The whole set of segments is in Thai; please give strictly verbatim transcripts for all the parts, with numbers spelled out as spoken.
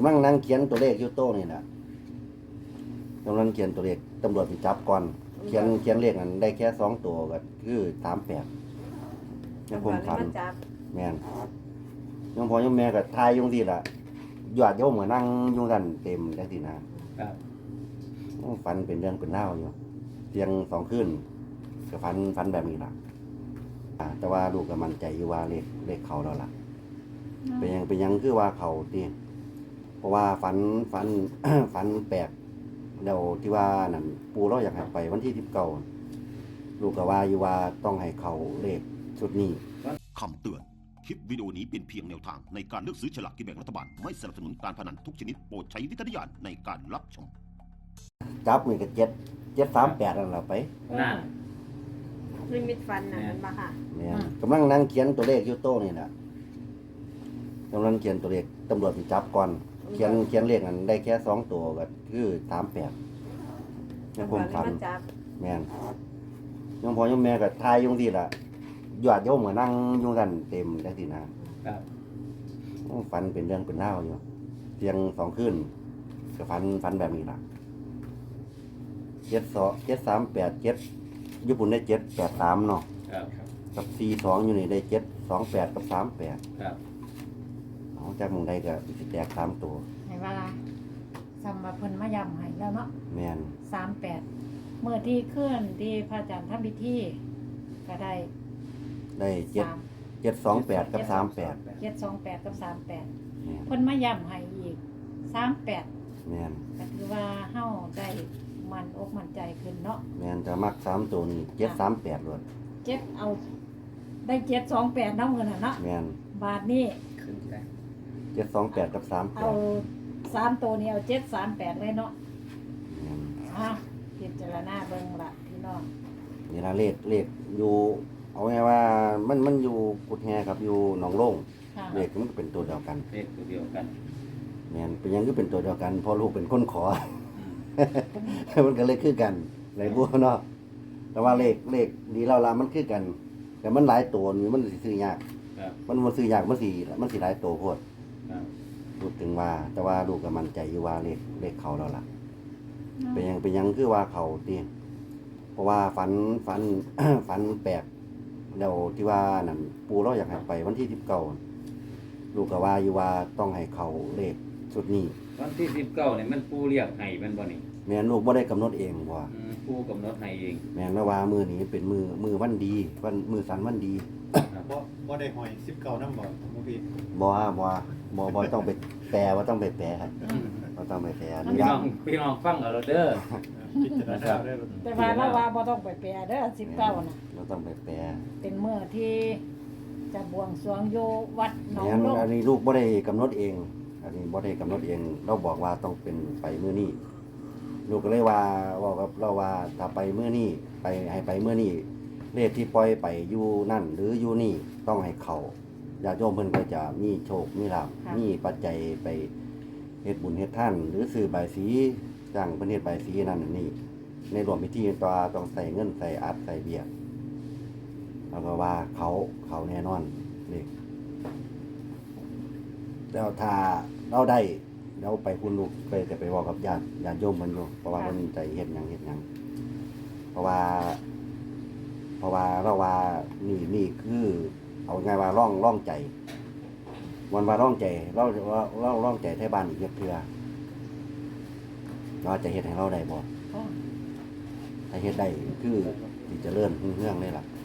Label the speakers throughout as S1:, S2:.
S1: ำลังนั่งเขียนตัวเลขอยู่โต๊ะนี่แหละกำลังเขียนตัวเลขตำรวจไปจับก่อนเขียนเขียนเลขนั้นได้แค่สองตัวก็คือสามแปดยังคงฝันแม่นยังพอยังแม่ก็ทายอยุ่จังซี่ล่ะยอดโยมก็นั่งอยุ่งกันเต็มจังซี่นะครับฝันเป็นเรื่องเป็นเล่าวอยู่เพียงสองคืนก็ฝันฝันแบบนี้ล่ะอ่าแต่ว่าลูกก็มั่นใจอยู่ว่าเลขเลขเขาแล้วล่ะเป็นหยังเป็นหยังคือว่าเขาติเพราะว่าฝันฝัน ฝันแปลกเดี๋ยวที่ว่านั่นปูเราอยากให้ไปวันที่สิบเก้าลูกก็ว่าอยู่ว่าต้องให้เขาเลขชุดนี้
S2: คำเตือนคลิปวิดีโอนี้เป็นเพียงแนวทางในการเลือกซื้อฉลากกินแบ่งรัฐบาลไม่สนับสนุนการพนันทุกชนิดโปรดใช้วิจารณญาณในการรับชม
S1: จับนี่ก็เจ็ดเจ็ดสามแปดนั่นแหละไป
S3: นั่นลิมิตฟันนะมันมาค่ะ
S1: เนี่ยกำลังนั่งเขียนตัวเลขอยู่โต๊ะนี่แหละกำลังเขียนตัวเลขตำรวจไปจับก่อนเขียนเขียนเลขนั้นได้แค่สองตัวก็คือสามแปดยังคงฝันแม่นยังพอยังแม่ก็ทายอยุ่จังซี่ล่ะยอดโยมก็นั่งอยุ่งกันเต็มจังซี่นะครับฝันเป็นเรื่องเป็นเล่าวอยู่เพียงสองคืนก็ฝันฝันแบบนี้ล่ะเจ็ดสองเจ็ดสามแปดเจ็ดญี่ปุ่นได้เจ็ดแปดสามเนาะกับสี่สองอยู่นี่ได้เจ็ดสองแปดกับสามแปดเอาจากมึงได้ก็สิแตกสามตัว
S4: ให้ว่าซ้ำมาเพิ่นมายำให้แล้วเนาะ
S1: แม่น
S4: สามแปดเมื่อที่เคลื่อนที่พระอาจารย์ทำพิธีก็ได้
S1: ได้เจ็ดเจ็ดสองแปดกับสามแปด
S4: เจ็ดสองแปดกับสามแปดเพิ่นมายำให้อีกสามแปด
S1: แม่น
S4: ก็ถือว่าเฮาได้มันอกมันใจขึ้นเนาะ
S1: แม่นจะมักสามตัวนี้เจ็ดสามแปดเลย
S4: เจ็ดเอาได้เจ็ดสองแปดน้ำเงินน่ะเนาะ
S1: แม่น
S4: บาทนี้
S1: เจ็ดสองแปดกับสามแปด
S4: เอาสามตัวนี้เอาเจ็ดสามแปดเลยเนาะอ่ะพิจารณาเบิ่งละพี่น้อง
S1: นี่ละเลขเลขอยู่เอาไงว่ามันมันอยู่กุดแฮครับอยู่หนองโล่งเลขมันก็เป็นตัวเดียวกัน
S5: เลขตัวเดียวกัน
S1: แม่นเป็นยังก็เป็นตัวเดียวกันพอลูกเป็นคนขอ มันก็เลยคือกันหลายบัวเนาะแต่ว่าเลขเลขดีเราละมันคือกัน แต่มันหลายตัวนี่มันสิซื้อยากมันมันซื้อยากมันสิมันสิหลายตัวโพดพูดถึงว่าแต่ว่าลูกก็มั่นใจอยู่ว่าเลขเลขเขาแล้วล่ะเป็นยังเป็นยังคือว่าเขาตีเพราะว่าฝันฝัน ฝันแปลกเดี๋ยวที่ว่านั่นปูเราอยากให้ไปวันที่สิบเก้าลูกก็ว่าอยู่ว่าต้องให้เขาเลขชุดนี้
S5: วันที่สิบเก้าเนี่ยมันปูเรียกให้มันบ่นี่
S1: แม่ลูกบ่ได้กำหนดเองว่า
S5: ปูกำหนดให้เอง
S1: แม่นว่ามือนี้เป็นมือมือวันดีวันมือสันวันดี
S6: บ่บ่ได้หอยสิบเก้านำบ่บ่พี่
S1: บ่บ่บ่บ่ต้องไปแปลว่าต้องไปแปลครับบ่ต้องไปแปล
S5: พี่น้องพี่น้องฟังเอาเด้อ
S4: แต่ว่าเราว่าบ่ต้องไปแปลเด้อสิบเก้าน่ะ
S1: บ่ต้องไปแปล
S4: เป็นมื้อที่จะบวงสรวงอยู่วัดหนองลง
S1: อันนี้ลูกบ่ได้กำหนดเองอันนี้บ่ได้กำหนดเองเราบอกว่าต้องเป็นไปมื้อนี้ลูกก็เลยว่าว่ากับเราว่าถ้าไปมื้อนี้ไปให้ไปมื้อนี้เลขที่ปล่อยไปอยู่นั่นหรืออยู่นี่ต้องให้เขาญาติโยมเพิ่นก็จะมีโชคมีลาภมีปัจจัยไปเฮ็ดบุญเฮ็ดทานหรือซื้อใบสีจ้างเพิ่นเฮ็ดใบสีนั่นนี่ในรวมพิธีตัวต้องใส่เงินใส่อัดใส่เบี้ยแล้วก็ว่าเขาเขาแน่นอนนี่แล้วถ้าเราได้เราไปคุณลูกไปจะไปบอกกับญาติญาติโยมมันอยู่เพราะว่าเพิ่นใจเฮ็ดหยังเฮ็ดหยังเพราะว่าเพราะว่าเราว่านี่นี่คือเอาไงว่าร่องร่องใจวันว่าร่องใจเราเราเราร่องใจไทบ้านอีกเทื่อเราจะเฮ็ดให้เราได้บ่ถ้าเฮ็ดได้คือสิเจริญรุ่งเรืองเลยล่ะ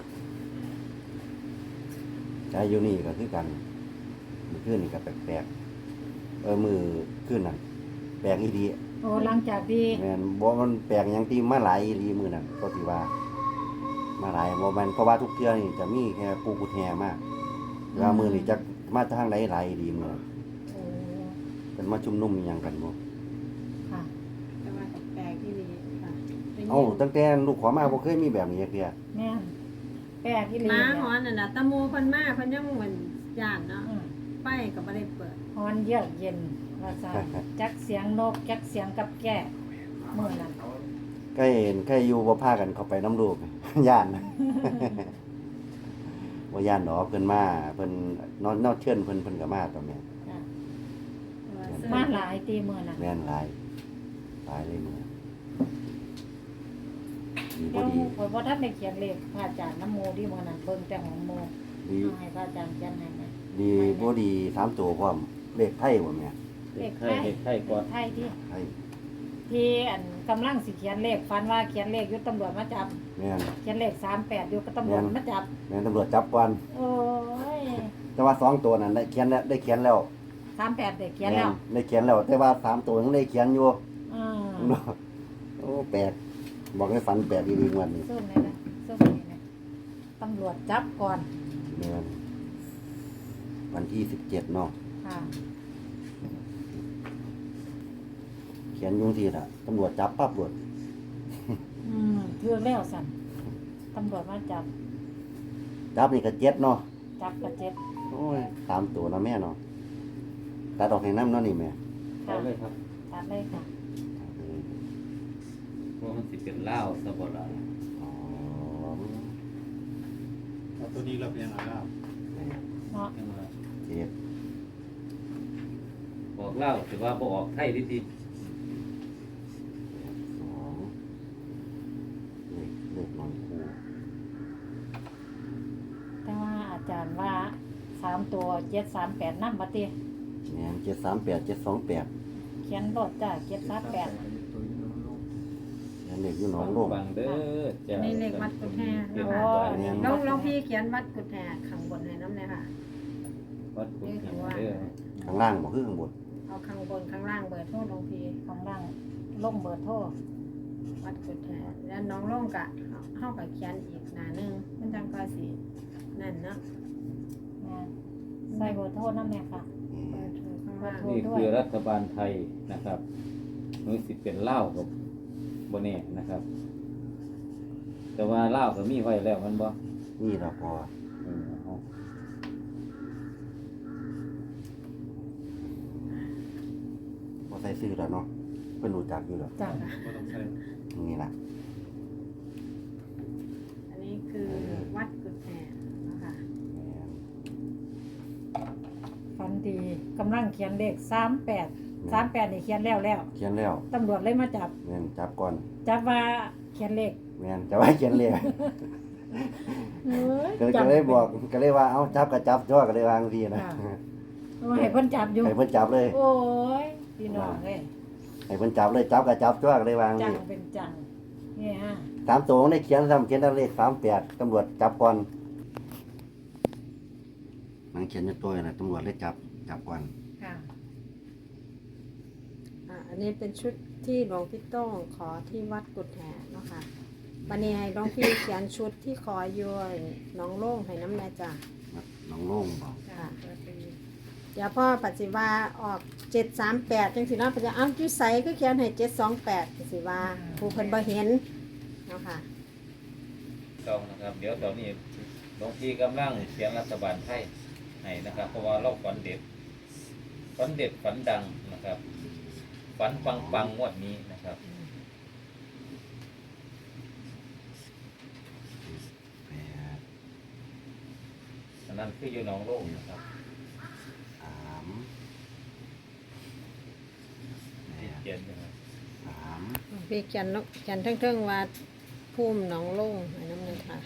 S1: ใจอยู่นี่ก็คือกันมื้อคืนนี่ก็แปลกๆเออมื้อคืนนั่นแปลกอีหลี
S4: โอ้หลังจากที่
S1: แม่นบ่มันแปลกหยังที่มาหลายอีหลีมื้อนั้นก็สิว่ามาหลายบ่แม่นเพราะว่าทุกเทื่อนี่จะมีแค่ปูกุดแฮมาแล้วมื้อนี้จักมาทางใดหลายดีมื้อโอ้เป็นมาชุมนุมอีหยังกันบ่
S4: ค่ะ
S3: แต่ว่าแปลกที่นี่ค่ะ
S1: เอ้าตั้งแต่ลูกขอมาบ่เคยมีแบบนี้จักเทื่อ
S4: แม่นแปลกที่นี่
S3: มาฮ้อนนั่นน่ะตะมูเพิ่นมาเพิ่นยังเหมือนย่านเนาะไฟก็บ่ได้เปิด
S4: ฮ้อนเยือกเย็นว่าซั่นจักเสียงนกจักเสียงกับแก้มื้อนั้น
S1: ใกล้เห็นใกล้อยู่บ่พากันเข้าไปนำลูกย่านบ่ย่านดอกเพิ่นมาเพิ่นนอนนอนเชิญเพิ่นเพิ่นก็มาตอนนี้
S3: เสื้อ
S4: มาหลายตีมือน่ะ
S1: แม่นหลายหลายเลยมื้อดีบ่
S4: เดี๋ยว
S1: ดี
S4: ข่อยบ่ทันได้เขียนเลขพระอาจารย์น้ำโมที่มื้อนั้นเบิ่งแต่ของโม
S1: ดี
S4: เอาให้พระอาจารย์เขียนให้นะ
S1: ดีบ่ดีสามตัวพร้อมเลขไทยบ่แม่
S5: เลขไทยเลขไทยก่อน
S4: ไทยที่
S1: ไทย
S4: ที่อันกำลังสิเขียนเลขฟันว่าเขียนเลขอยู่ตำรวจมาจับ
S1: แม่น
S4: เขียนเลขสามแปดอยู่ก็ตำรวจมาจับ
S1: แม่นตำรวจจับก่อน
S4: โอ้ย
S1: แต่ว่าสองตัวนั้นได้เขียนแล้วได้เขียนแล้ว
S4: สามแปดได้เขียนแล้ว
S1: ม่ได้เขียนแล้ว แต่ว่าสามตัวยังได้เขียนอยู่
S4: อ่า
S1: โอ้แปลกบอกให้ฝันแปลกดีๆวันนี้
S4: ส้มเลยนะส้มเลยนะตำรวจจับก่อน
S1: แม่นวันที่สิบเจ็ดเนาะ
S4: ค่ะ
S1: เขียนอยุ่จังที่ละตำรวจจับปั๊บรวด
S4: อืมเทือแล้วสั่นตำรวจมาจับ
S1: จับนี่ก็เจ็ดเนาะ
S4: จับกระเจ็บ
S1: โอ้ยตามตัวนะแม่เนาะตัดออกให้น้ำเนาะนี่แม่
S5: เอา
S4: ค่ะ
S5: เลยครับ
S4: ตัดเลยค่ะ
S5: เพราะมันสิเป็นเหล้าซะบ่ล่ะ
S1: อ๋อ
S6: เอาตัวนี้เราเป็นยังไงครับ
S1: แม่
S4: เนาะ
S5: จังว่า
S1: เจ็ด
S5: บอกเหล้าถือว่าบ่ออกไทยดี
S1: สองเลขเลขนอนคู่
S4: แต่ว่าอาจารย์ว่าสามตัวเจ็ดสามแปดนั่นบัดเตี้ย
S1: แม่นเจ็ดสามแปดเจ็ดสองแปด
S4: เขียนรถจ้ะเจ็ดสามแปด
S1: แล้วเลขอยู่หน
S5: ๆ
S1: องโลก
S5: ฟังเด้อจ้า
S3: นี่เลขวัดกุฎแห่
S5: เดี๋ยว
S3: นะคะ
S5: วัด
S1: เนี่ย
S3: ลองลองพี่เขียนวัดกุฎแห่ข้างบนให้น้ำเลยค่ะ
S5: วัดกุฎแห่เด้อ
S1: ข้างล่างบ่คือข้างบน
S3: เอาข้างบนข้างล่างเบอร์โทรลงพี่
S4: ของร่างลงเบอร์โทร
S3: วัดกุฎแห่แล้วน้องลงกะเข้ากับเขียนอีกหน้าหนึงมันจังก็สินั่นเนาะ
S4: นะใส่เบอร์โทรนั่นแหละค่ะ
S3: เบอร์โทรข้างล่าง
S4: โทร
S5: นี่คือรัฐบาลไทยนะครับมันสิเป็นเหล้ากับบ่แน่นะครับ แต่ว่าเหล้าก็มีไว้แล้วมันบ่
S1: นี่เราพอ
S5: เออเอา
S1: พอใส่ซื้อแล้วเนาะเป็นรู้จักอยู่แล้ว
S4: จ้ะ
S6: ก็ต้องใช้
S1: นี่ล่ะ
S3: อันนี้คือวัดกุฎแห่นะคะ
S1: แม่น
S4: ฟันดีกำลังเขียนเลขสามแปดสามแปดนี่เขียนแล้วแล้ว
S1: เขียนแล้ว
S4: ตำรวจเลยมาจับ
S1: แม่นจับก่อน
S4: จับว่าเขียนเลข
S1: แม่นจะว่าเขียนเลย
S4: เอ้ย
S1: ก็
S4: จั
S1: ก็เลยบอกก็เลยว่าเอาจับก็จับจ้อก็เลยวางทีนะ
S4: เอาให้เพิ่นจับอยู่
S1: ให้เพิ่นจับเลย
S4: โอ้ยพี่น้องเอ้ย
S1: ให้เพิ่นจับเลยจับก็จับจ้อก็เลยวาง
S4: จั
S1: ที
S4: งเป็นจังนี่ฮะ
S1: สามตัวได้เขียนซ้ำเขียนเลขสามแปดตำรวจจับก่อนมันเขียนอยู่ตัวน่ะตำรวจเลยจับจับก่อน
S4: ค่ะ
S3: อ่ะอันนี้เป็นชุดที่หลวงพี่โต้งขอที่วัดกุฎแห่เนาะค่ะวันนี้ให้หลวงพี่เขียนชุดที่ขออยู่น้องโล่งให้น้ำแน่จ้ะ
S1: น้องโล่งบอก
S3: ค่ะเดี๋ยวพ่อปัจจิวาออกเจ็ดสามแปดจังสิเนาะปัจจิวาอ้าวจุใสก็เขียนให้เจ็ดสองแปดปัจจิวาผู้เพิ่นบ่เห็นเนาะค่ะ
S5: ต้องนะครับ เดี๋ยวตอนนี้หลวงพี่กำลังเขียนรัฐบาลไทยให้นะครับ เพราะว่าเราฝันเด็ดฝันเด็ดฝันดังนะครับฝันปังปังๆงวดนี้นะครับ
S1: แปด
S5: อันนั้นคืออยู่หนองโลกนะครับ
S1: สามแป
S5: ที่
S1: ด
S5: เขียนนะครับ
S1: สาม
S3: หลวงพี่เขียนเนาะเขียนเทิงๆว่าภูมิหนองโล่งให้น้ำเลยค่ะ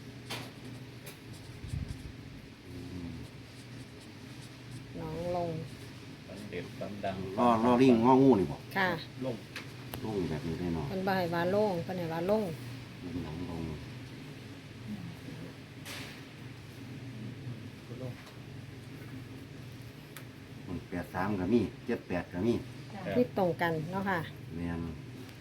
S3: หนองลง
S5: ฝันเด็ดฝันดัง
S1: ล่อล่อลิงงองูนี่บอก
S3: ค่ะ
S5: ลง
S1: โล่งแบบนี้ได้เนาะ
S3: เพิ่นบ่ให้ว่าโล่งเพิ่นให้ว่าโล่ง
S1: ลิงหนองลง
S6: ก็ลง
S1: มันแปดสามก็มีเจ็ดแปดก็มี
S3: ที่ตรงกันเนาะค่ะ
S1: แม่น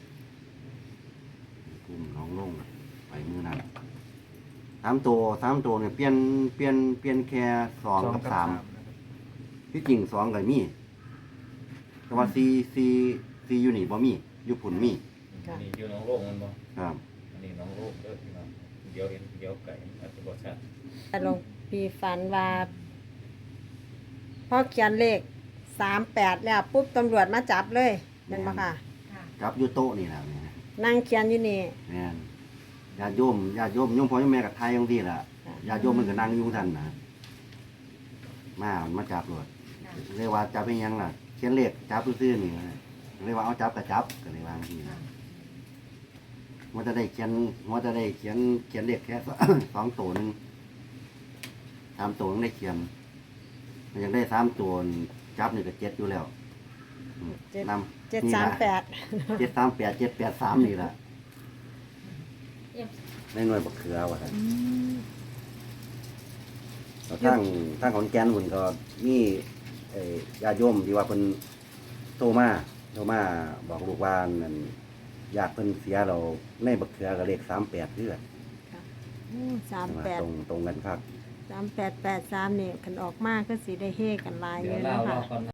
S1: กุ้มน้องลงไปมือนั้นสามตัวสามตัวเนี่ยเปลี่ยนเปลี่ยนเปลี่ยนแค่สองกับสามที่จริงสองก็มีแต่ว่าสี่สี่สี่อยู่นี่บ่มีอยู่ผุนมี
S3: ค่ะ
S5: อันนี้อยู่หนองโลกมันบ่
S1: ครับ
S5: อันนี้หนองโลกเด้อพี่น้องเดี๋ยวเห็นเดี๋ยวไก่อาจจะบ่ชัด
S3: แต่หลวงพี่ฝันว่าพอเขียนเลขสามแปดแล้วปุ๊บตำรวจมาจับเลยเป็นปะค่ะ
S4: ค่ะ
S1: จับอยู่โต๊ะนี่แหละแม่
S3: นั่งเขียนอยู่นี่
S1: แม่นญาติโยมญาติโยมโยมพ่อโยมแม่กับไทยจังซี่ล่ะ
S3: ค่ะ
S1: ญาติโยมมันก็นั่งอยู่ท่านนะมามันมาจับรถ
S4: ค่ะ
S1: เรียกว่าจับเป็นหยังล่ะขียนเลขจับซื่อๆนี่นะเลยว่าเอาจับกับจับก็เลยวางทีนะมันจะได้เขียนมันจะได้เขียนเขียนเลขแค่ สองตัวหนึงสามตัวนึงได้เขียนมันยังได้สามตัวจับนี่ก็เจ็ดอยู่แล้วอืม
S3: เจ็ด
S1: นำ
S3: เจ็ด
S1: นี่
S3: สาม
S1: ล่ะ
S3: แปด
S1: เจ็ดสามแปดเจ็ดแปดสามนี่แหละในหน่วยบักเขือว่ะครับแล้วทางทางของแกนหุ่นก็มีเอ่อญาติโยมที่ว่าเพิ่นโทรมาโทรมาบอกลูกว่านั่นญาติเพิ่นเสียเราในบักเขือก็เลขสามแปดเดือน
S3: สามแปด
S1: ตรงตรงกันครับ
S3: สามแปดแปดสามนี่คันออกมากก็สิได้เฮกันหลายอ
S5: เดี๋ยว
S3: ยู่
S5: เล่า
S3: เนาะ
S5: เล่า
S3: ค่ะ
S5: ก่อน